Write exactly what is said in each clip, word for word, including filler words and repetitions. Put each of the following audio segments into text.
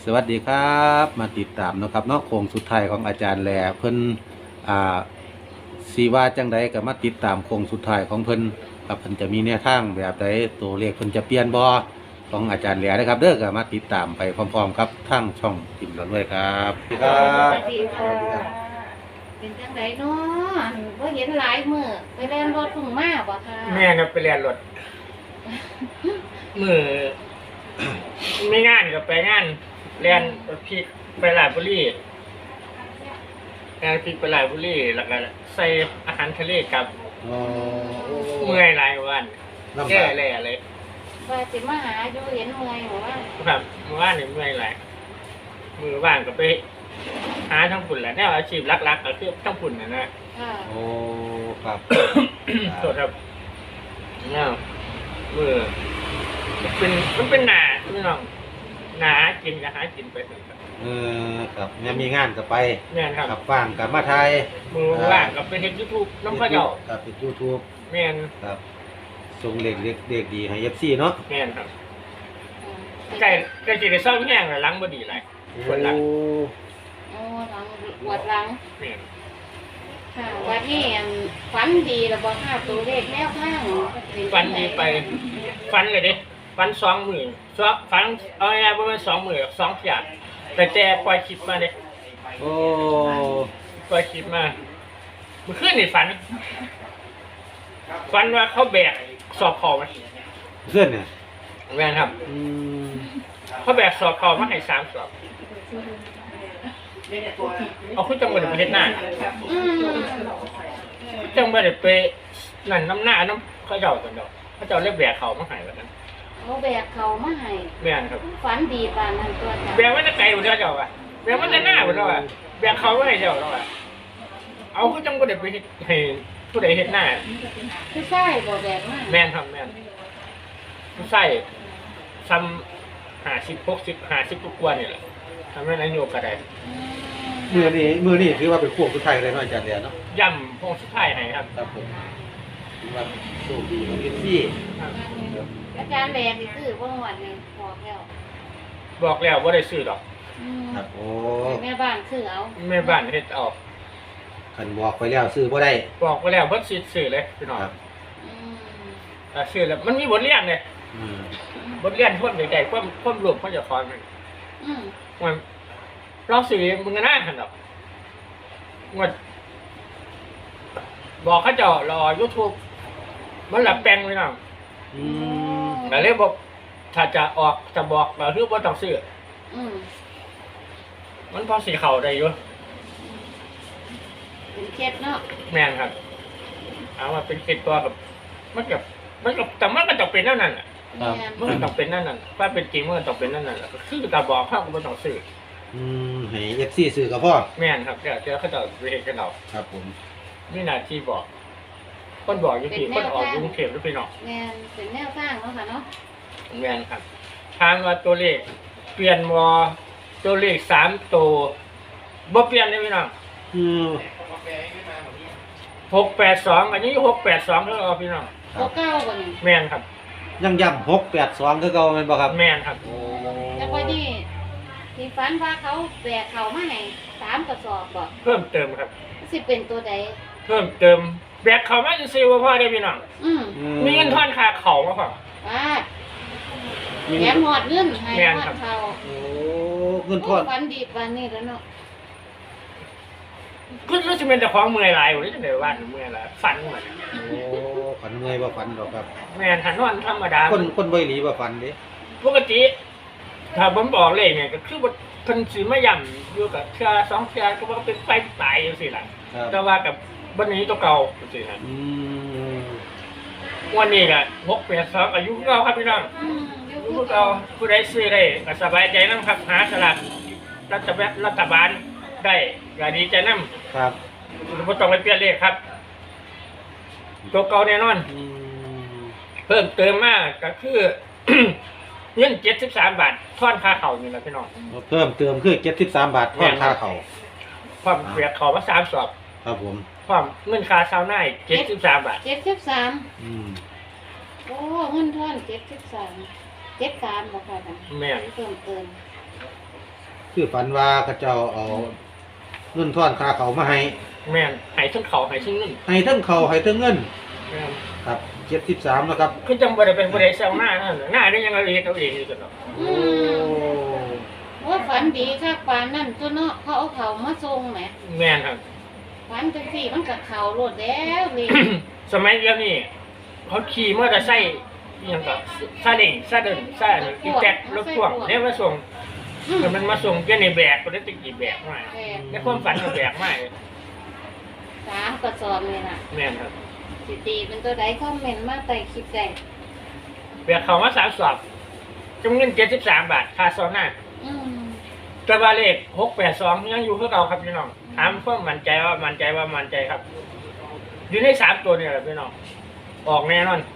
สวัสดีครับมาติดตามนะครับเนาะโค้งสุดท้ายของอาจารย์แหล่เพิ่นอ่าสีว่าจังใดก็มาติดตามโค้งสุดท้ายของเพิ่นครับเพิ่นจะมีแนวทางแบบใดตัวเลขเพิ่นจะเปลี่ยนบ่ของอาจารย์แหล่นะครับเด้อก็มาติดตามไปพร้อมๆครับทางช่องติ่มหลอนด้วยครับสวัสดีครับสวัสดีค่ะเป็นจังไดเนาะบ่เห็นหลายมื้อไปแล่นรถเพิ่งมาบ่ค่ะแม่ครับไปเรียนรถ มือ ไม่งานก็ไปงานเรียนพี่ไปหลายบุรีงานพี่ไปหลายบุรีแล้วก็ใส่อาหารทะเลกับอ๋อเมื่อยหลายวันลำแก้บากแล่เลยว่าสิมาหาอยู่เห็นเมื่อยบ่ว่าครับเมื่อวานนี่เมื่อยหลายมือว่างก็ไป หาทั้งฝุ่นแหละแนวอาชีพหลักๆก็คือทั้งฝุ่นนะนะค่ะโอ้ครับโทษครับแนวมือมันเป็นมันเป็นหนาพี่น้องหนากินก็หากินไปเถอะครับเออครับแม่มีงานก็ไปแม่นครับกับว่างกับมาไทยมือว่างก็ไปเฮ็ด YouTube น้ำพระเจ้ากับเป็น YouTube แม่นครับส่งเลขเล็กเด็กดีให้ เอฟ ซี เนาะแม่นครับไก่ไก่สิได้ซ่อมแห้งแล้วล้างบ่ดีหลายปวดหลังโอ้หลังปวดหลังแม่นค่ะวันนี้อันฝันดีแล้วบ่ค่ะตัวเลขแนวทางฟันดีไปฟันเลยเด้ฟันสองหมื่นสองฟันเอาง่ายๆบ่แม่นสองหมื่นสองเที่ยแต่แต่ปล่อยคลิปมาเด้โอ้ปล่อยคลิปมาเมื่อคืนนี่ฝันฝันว่าเขาแบกสอบคอมาเพื่อนเนี่ยแม่นครับอืมเขาแบกสอบคอมาให้สามสอบเอาคุณจังบ่ได้ไปเฮ็ดหน้าอืมคุณจังบ่ได้ไปนั่นน้ำหน้าน้ำเขาเจ้ากันดอกเขาเจ้าเรียกแบกเขามาให้แบบนั้นเอาแบกเขามาให้แม่นครับฝันดีปานนั้นตัวจ้ะแบกไว้ในไกลบ่ได้เจ้าว่ะแบกไว้ในหน้าบ่ได้ว่ะแบกเขาไว้ให้เจ้าแล้วว่ะเอาคุณจังบ่ได้ไปเฮ็ดให้ผู้ใดเฮ็ดหน้าคือใช่บ่แบกมาแม่นครับแม่นผู้ใส่ซ้ำ50 60 50กว่านี่แหละทำให้นายโยกก็ได้อืมมือนี้มือนี้ถือว่าเป็นพวกสุดท้ายเลยเนาะอาจารย์เดียเนาะย่ำพงสุดท้ายให้ครับครับผมถือว่าโชคดีของเอฟซีครับอาจารย์แบกนี่คือบ่หวดนี่บอกแล้วบอกแล้วว่าได้ซื้อดอกอืมครับโอ้แม่บ้านคือเอาแม่บ้านเฮ็ดออกคันบอกไปแล้วซื้อบ่ได้บอกไปแล้วเพิ่นสิซื้อเลยพี่น้องครับอืมอ่าซื้อแล้วมันมีบทเรียนเลยอืมบทเรียนคนใดๆความความรวมเขาจะสอนมันอืมมันเราซื้อมึงก็น่าหันดอกมันบอกเขาเจ้ารอ YouTube มันหลับแปลงพี่น้องอืมก็เลยบอกถ้าจะออกจะบอกก็คือบ่ต้องซื้ออืมมันพอสิเข้าได้อยู่เป็นเคล็ดเนาะแม่นครับเอามาเป็นเกตตัวกับมันกับมันกับแต่มันก็ต้องเป็นนั่นน่ะแม่นมันก็ต้องเป็นนั่นน่ะถ้าเป็นจริงมันก็ต้องเป็นนั่นน่ะก็คือการบอกเขาก็บ่ต้องซื้ออืมให้เอฟซีซื้อกับพ่อแม่นครับเดี๋ยวเดี๋ยวเขาจะไปเห็นกันเอาครับผมมีหน้าที่บอกคนบอกอยู่ที่คนออกอยู่กรุงเทพหรือไปนอกแม่นเป็นแนวทางเนาะค่ะเนาะแม่นครับถามว่าตัวเลขเปลี่ยนวอตัวเลขสามตัวบ่เปลี่ยนเลยพี่น้องอืมหกแปดสองอันนี้หกแปดสองแล้วเอาพี่น้องครับ่บเก้าบ่นี่แม่นครับยังย้ำหกแปดสองคือเก่าแม่นบ่ครับแม่นครับโอ้แล้วก็นี่ที่ฝันว่าเขาแบกเขามาให้สามกระสอบบ่เพิ่มเติมครับสิเป็นตัวใดเพิ่มเติมแบกเขามาจะซื้อว่าพ่อได้พี่น้องอืมอืมีเงินทอนค่าเขามาพ่อว่ามีแถเงิมนหอดเงินให้แม่นหอครัดบเขาโอ้เงินทอนฝันดีปานนี้แล้วเนาะก็รู้สึกเป็นแต่ของเมื่อยหลายอยู่ที่จะได้ว่าเมื่อยหลายฝันเหมือนโอ้ฝันเมื่อยบ่ฝันดอกครับแม่นหันนอนธรรมดาคนคนบ่อีหลีบ่ฝันเด้ปกติถ้าผมบอกเลยเนี่ยก็คือว่าเพิ่นสิมาย่ำอยู่กับเทื่อสองเทื่อก็ว่าเป็นไปตายจังซี่ล่ะครับแต่ว่ากับบัดนี้ตัวเก่าจังซี่นะอืมวันนี้ก็หกแปดสองอายุเก่าครับพี่น้องอืมอยู่อายุคือเก่าผู้ใดซื้อได้ก็สบายใจนํครับหาสลากรัฐบาลรัฐบาลได้ก็ดีใจนำครับบ่ต้องไปเปลี่ยนเลขครับ ตัวเก่าแน่นอนอืมเพิ่มเติมมากก็คือ เงินเจ็ดสิบสามบาททอนค่าเข่านี่แหละพี่น้องเพิ่มเติมคือเจ็ดสิบสามบาททอนค่าเขาความเปียกเข่ามาสามสอบครับผมความเงินค่าเช้าหน้าเจ็ดสิบสามบาทเจ็ดสิบสามอืมโอ้เงินทอนเจ็ดสิบสามเจ็ดสามบ่ค่ะท่านแม่นเพิ่มเติมคือฝันว่าเขาเจ้าเอาเงินทอนค่าเขาวมาให้แม่นใหายทั้งเขาใหายทั้งนึ่งให้ทั้งเขาวให้ทั้งเงินแม่นครับเจ็ดสิบสามนะครับคือจังบ่ได้เป็นบ่ได้แซวหน้านั่นหน้าได้ยังเอาเองเอาเองอยู่กันเนาะโอ้ว่าฝันดีค่ะปานนั่นตัวเนาะเขาเอาเขามาส่งแหมแม่นครับฝันจังสี่มันกับเขาโลดแล้วนี่สมัยเดียวนี่เขาขี่มอเตอร์ไซค์อหยังก็ซาเล้งซาเดินซาอันนี้อีแจ็ครถพ่วงเนี่ยมาส่งอืมแต่มันมาส่งแค่ในแบกก็ได้ตะกี้แบกมาแม่นในความฝันก็แบกมาสามกระสอบเลยน่ะแม่นครับสิตีเป็นตัวใดคอมเมนต์มาใต้คลิปได้แบกเขามาสามสอบจำเงินเจ็ดสิบสามบาทค่าซองหน้าอืมแตะวาเลขหกแปดสองยังอยู่คือเก่าครับพี่น้องถามเพิ่มมั่นใจว่ามั่นใจว่ามั่นใจครับ อยู่ในสามตัวนี่แหละพี่น้องออกแน่นอน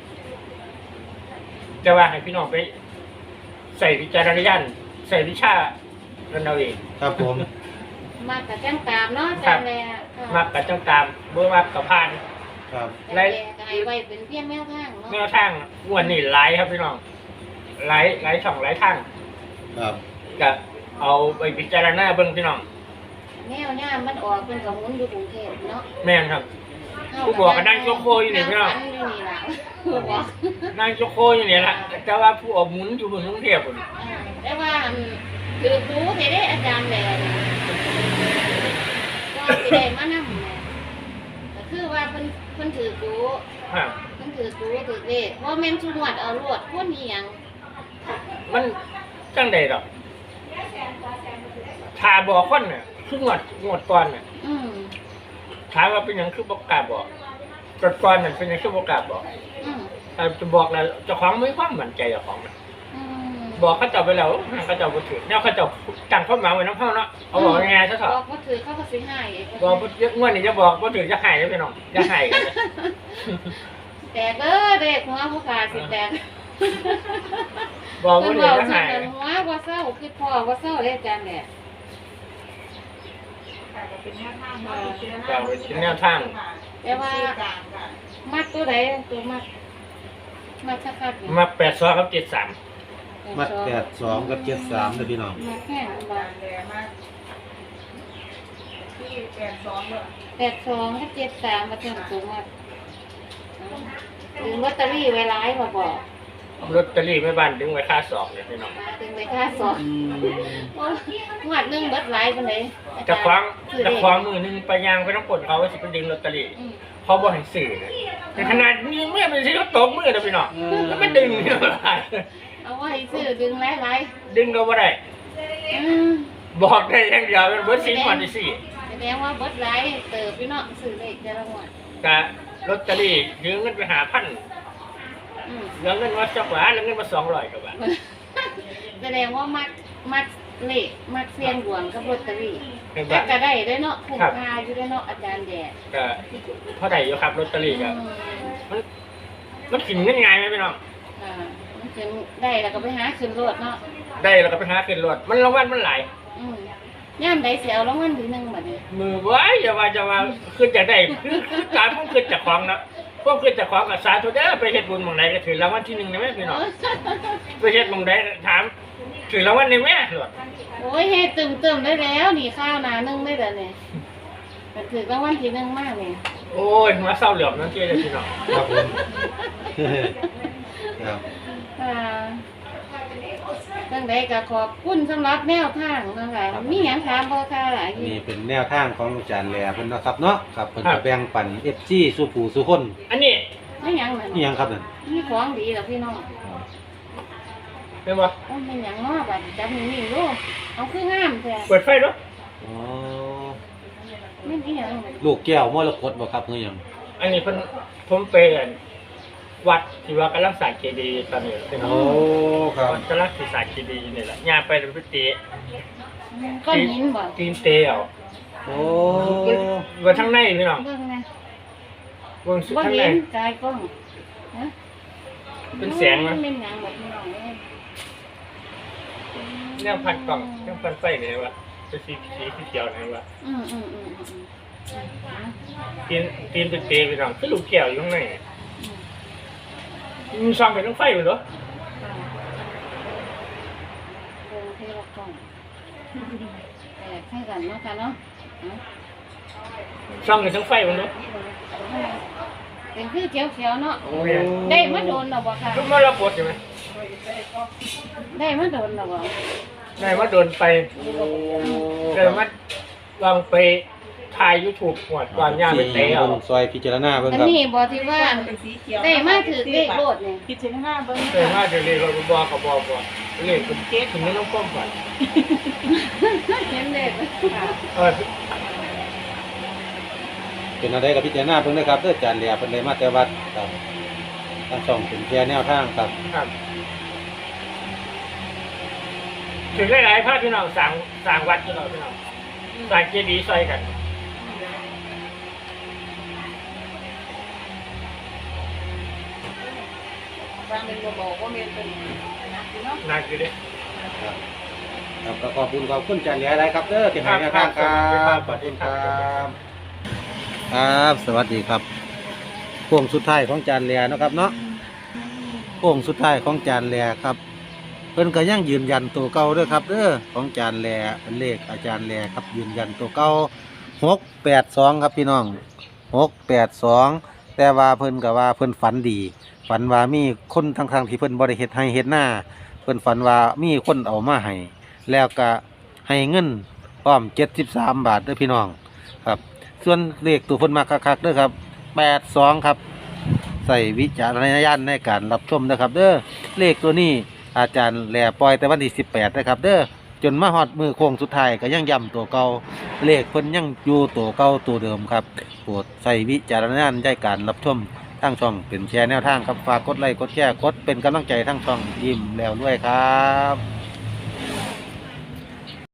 จะว่าให้พี่น้องไปใส่วิจารณญาณใส่วิชากันเอาเองครับผมมากกับแจ้งตามเนาะครัจาบนแลมักกับจังตามเบื่อมักกับพานครับจานแลก็ให้ไว้เป็นเพียงแนวทางเนาะแนวทางงวันนี้ไลฟ์ครับพี่น้องไลฟ์ไลฟ์ช่องไลฟ์ทางครับก็เอาไปพิจารณาเบิ่งพี่น้องแนวย่ามมันออกเป็นกับหมุนอยู่กรุงเทพเนาะแม่นครับ ผู้บอกก็นั่งโยกโคอยู่นี่พี่น้องฝันอยู่นี่ล่ะผู้บอกนางโจโคอยู่นี่แหละแต่ว่าผู้ออกหมุนอยู่บนกรุงเทพฯพุ่นอ่าแต่ว่าอันคือรู้เห็นได้อาจารย์แหล่นี่ก็สิได้มานำแหละก็คือว่าเพิ่นเพิ่นถือรู้ฮะเพิ่นถือรู้ถือเลขว่าแม่นชุมวดเอารวดคนอีหยังมันจังใดดอกถ้าบอกคนน่ะคืองวดงวดก่อนน่ะอืมถามว่าเป็นหยังคือบ่กล้าบอกกดก่อนนั่นเป็นหยังคือบ่กล้าบอกอืมแต่จะบอกแล้วเจ้าของไม่ความมั่นใจเจ้าของน่ะอืมบอกเขาเจ้าไปแล้วเขาเจ้าบ่ถือแนวเขาเจ้าตั้งความหมายไว้นำเฮาเนาะเอาบอกยังไงซะเถบอะอกว่าถือเขาก็สิให้อีกบอกบ่งวดนี้จะบอกบ่ถือจะให้เด้อพี่น้องจะให้กันเลยแตกเด้อเด็กหัวผู้ขาสิแตกบอกบ่เพิ่นถือเว้าจะซั่ให้นน่ะหัวบ่เศร้าคือพ่อบ่เศร้าเด้อาจารย์แหละก็เป็นแนวทางแต่ว่ามัดตัวใดตัวมัดมัดคักๆนี่มาแปดสองกับเจ็ดสามมัดแปดสองกับเจ็ดสามนะพี่น้องมัดแห้งบ่แปดสองกับเจ็ดสามมาถึงตัวมัดถึงลอตเตอรี่ไว้หลายบ่บอกลอตเตอรี่แม่บ้านดึงไว้ค่าสอบเนี่ยพี่น้องมาถึงไว้ค่าสอบอืมโอ้ยงวดหนึงเบิดหลายปานใดอาจะจารย์คว้างซื้อจะเลขคว้างมือหนึงไปยางไปต้องกดเขาว่าสิไปดึงลอตเตอรี่อืมเขาบอกให้สื่อนะแต่ขนาดนี้เมื่อเป็นสิเขาตบมือนะพี่น้องแล้วไม่ดึงเนี่ยบ่ได้เอาไว้ซื้อดึงหลายดึงก็บ่ได้ๆอืมบอกได้อย่างเดียวเป็นเบิร์ดสิงวันที่สี่แสดงว่าเบิดหลายเติบพี่เนาะซื้อเลขแต่ละงวดกะลอตเตอรี่ยืมเงินไปหาพันอืมเหลือเงินมาสักบาทเหลือเงินมาสองร้อยกว่าบาทแสดงว่ามักมักเลขมักเสียงดวงกับลอตเตอรี่เป็นแต่บาทก็ได้ได้เนาะคุ้มครับค่าอยู่ได้เนาะอาจารย์แดดก็เท่าไหร่อยู่ครับลอตเตอรี่ก็อืมมันมันขึ้นเงินง่ายไหมพี่น้องอ่ามันถึงได้แล้วก็ไปหาขึ้นรถเนาะได้แล้วก็ไปหาขึ้นรถมันรางวัลมันหลายอืมย่ามใดเสียเอารางวัลที่หนึ่งบัดนี้มือไว้อย่าว่าจะว่าขึ้นจากได้คือคือการพุ่งขึ้นจากของนะพวกขึ้นจากของกับสาธุเด้อไปเฮ็ดบุญหม่องใดก็ถือรางวัลที่หนึ่งได้ไหมพี่น้องไปเฮ็ดหม่องใดถามถือรางวัลได้ไหมหลวดโอ้ยเฮ็ดตึมๆได้แล้วนี่ข้าวหนาหนึงได้แล้วเนี่ยก็ถือรางวัลที่หนึ่งมากเนี่ยโอ้ยมาเศร้าเหลือมนั่นเที่เลยพี่น้องครับผมครับอ่าจังใดก็ขอบคุณสำหรับแนวทางนะคะมีหยังถามบ่ค่ะหลายนี่เป็นแนวทางของอาจารย์แหล่เพิ่นเนาะครับเนาะครับเพิ่นจะแบ่งปัน เอฟ จี สู่ผู้สู่คนอันนี้ไม่หยังนั่นนี่หยังครับนั่นมีของดีเหรอพี่น้องเป็นบ่โอ้ยเป็นหยังเนาะบัดจับนี่ๆดูเอาคืองามแท้เปิดไฟด้วยอ๋อแม่นอีหยังลูกแก้วมรกตบ่ครับคือหยังอันนี้เพิ่นผมเป็นวัดที่ว่ากำลังสร้างเจดีย์ตอนนี้พี่น้องโอ้ครับวัดกำลังสิสร้างเจดีย์นี่แหละย่างไปเป็นพิธีก้อนหินบ่ตีนเตเอาโอ้ว่าทั้งในพี่น้องเบิ่งนะวงสุดบ่ทั้งในเห็นกายกล้องฮะเป็นแสงมันะนเป็นหยังบ่พี่น้องเอ้ยแนวพันกล่องแนวพันไฟนี่วะเป็นสีสีเขียวนี่วะอืมอืมอืมอืมตีนตีนเป็นเตพี่น้องคือลูกแก้วอยู่ข้างในมีซองเป็นต้องไฟอยู่เหรอเบิ่งเทวกล้องแต่ให้กันเนาะค่ะเนาะช่องอยู่ทั้งไฟมันเนาะเป็นคือเขียวๆเนาะโอ้ยได้มาโดนหรอบ่ค่ะทุกเมื่อเราปวดใช่ไหมได้มาโดนหรอบ่ได้มาโดนไปได้มาลองไปถ่ายยูทูบหวดก่อนย่าไปเตะเอาเบิ่งซอยพิจารณาเบิ่งอันครับนี้บ่ที่ว่าได้มาถือเลขโลดเนี่ยคิดถึงห้าเบิ้งเตะมาเดี๋ยวนี้เราบอกกับบอกว่าเลขคุณเก๊ถึงไม่ต้องก้มก่อนเห็นเลขเออเป็นอะไรกับพิจารณาเพิ่งนะครับเด้ออาจารย์แหล่เพิ่นได้มาแต่วัดครับทางช่องเป็นแค่แนวทางครับครับถึงหลายๆภาคพี่น้องสั่งสั่งวัดพี่น้องพี่น้องสั่งเจดีย์ซอยกันบางเป็นบอกว่าเมียเป็นนักเนาะนานคือเด้ครับครับก็ขอบคุณขอบคุณอาจารย์แหล่หลายครับเด้อที่ให้แนวทางครับขอบคุณครับครับสวัสดีครับโค้งสุดท้ายของอาจารย์แหล่เนาะครับเนาะโค้งสุดท้ายของอาจารย์แหล่ครับเพิ่นก็ยังยืนยันตัวเก่าเด้อครับเด้อของอาจารย์แหล่เป็นเลขอาจารย์แหล่ครับยืนยันตัวเก่าหกแปดสองครับพี่น้องหกแปดสองแต่ว่าเพิ่นก็ว่าเพิ่นฝันดี ฝันว่ามีคนทางทางๆที่เพิ่นบริเฮ็ดให้เฮ็ดหน้าเพิ่นฝันว่ามีคนเอามาให้แล้วก็ให้เงินพร้อมเจ็ดสิบสามบาทเด้อพี่น้องครับส่วนเลขตัวเพิ่นมาคักๆเด้อครับแปดสองครับใส่วิจารณญาณในการรับชมนะครับเด้อเลขตัวนี้อาจารย์แหล่ปล่อยแต่วันที่สิบแปดนะครับเด้อจนมาฮอดมือโค้งสุดท้ายก็ยังย้ำตัวเก่าเลขเพิ่นยังอยู่ตัวเก่าตัวเดิมครับโปรดใส่วิจารณญาณในการรับชม ทางช่องเป็นแชร์แนวทางครับฝากกดไลค์กดแชร์กดเป็นกำลังใจทางช่องยิ้มแล้วด้วยครับ